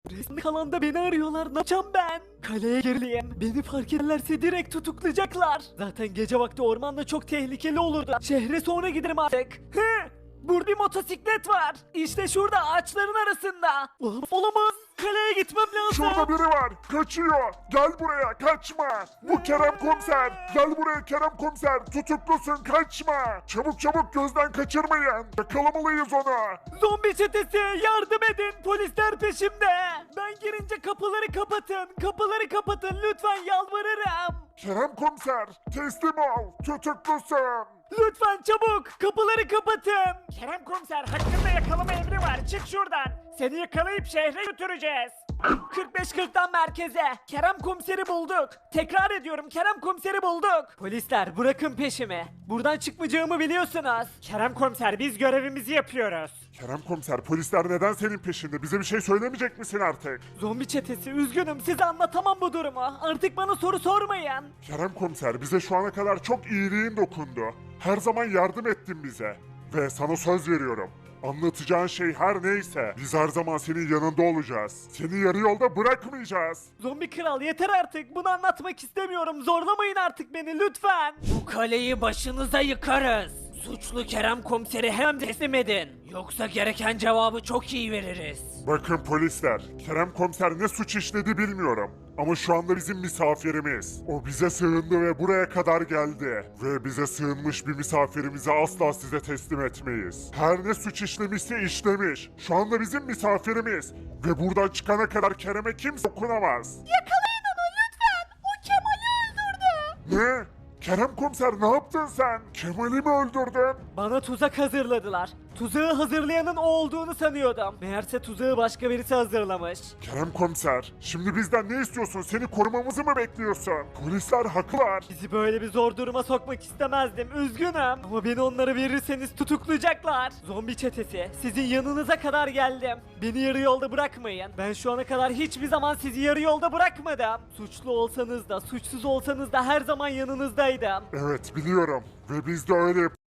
Resmi alanda beni arıyorlar. Ne yapacağım ben? Kaleye gerileyim. Beni fark ederlerse direkt tutuklayacaklar. Zaten gece vakti ormanda çok tehlikeli olurdu. Şehre sonra giderim artık. Hı! Burada bir motosiklet var. İşte şurada ağaçların arasında. Olamaz. Kaleye gitmem lazım. Şurada biri var. Kaçıyor. Gel buraya. Kaçma. Bu Kerem Komiser. Gel buraya Kerem Komiser. Tutuklusun. Kaçma. Çabuk çabuk gözden kaçırmayın. Yakalamalıyız onu. Zombi çetesi yardım edin. Polisler peşimde. Ben girince kapıları kapatın. Kapıları kapatın lütfen yalvarırım. Kerem Komiser. Teslim ol. Tutuklusun. Lütfen çabuk kapıları kapatın. Kerem komiser hakkında yakalama emri var. Çık şuradan. Seni yakalayıp şehre götüreceğiz. 45-40'tan merkeze. Kerem komiseri bulduk. Tekrar ediyorum Kerem komiseri bulduk. Polisler bırakın peşimi. Buradan çıkmayacağımı biliyorsunuz. Kerem komiser biz görevimizi yapıyoruz. Kerem Komiser, polisler neden senin peşinde? Bize bir şey söylemeyecek misin artık? Zombi çetesi üzgünüm size anlatamam bu durumu. Artık bana soru sormayın. Kerem Komiser, bize şu ana kadar çok iyiliğin dokundu. Her zaman yardım ettin bize. Ve sana söz veriyorum. Anlatacağın şey her neyse, biz her zaman senin yanında olacağız. Seni yarı yolda bırakmayacağız. Zombi kral yeter artık. Bunu anlatmak istemiyorum. Zorlamayın artık beni lütfen. Bu kaleyi başınıza yıkarız. Suçlu Kerem komiseri hemen teslim edin. Yoksa gereken cevabı çok iyi veririz. Bakın polisler, Kerem Komiser ne suç işledi bilmiyorum. Ama şu anda bizim misafirimiz. O bize sığındı ve buraya kadar geldi. Ve bize sığınmış bir misafirimizi asla size teslim etmeyiz. Her ne suç işlemişse işlemiş. Şu anda bizim misafirimiz. Ve buradan çıkana kadar Kerem'e kimse dokunamaz. Yakalayın onu lütfen. O Kemal'i öldürdü. Ne? Kerem Komiser ne yaptın sen? Kemal'i mi öldürdün? Bana tuzak hazırladılar. Tuzağı hazırlayanın o olduğunu sanıyordum. Meğerse tuzağı başka birisi hazırlamış. Kerem Komiser, şimdi bizden ne istiyorsun? Seni korumamızı mı bekliyorsun? Polisler haklılar. Bizi böyle bir zor duruma sokmak istemezdim. Üzgünüm. Ama beni onlara verirseniz tutuklayacaklar. Zombi çetesi, sizin yanınıza kadar geldim. Beni yarı yolda bırakmayın. Ben şu ana kadar hiçbir zaman sizi yarı yolda bırakmadım. Suçlu olsanız da, suçsuz olsanız da her zaman yanınızdaydım. Evet biliyorum ve biz de öyle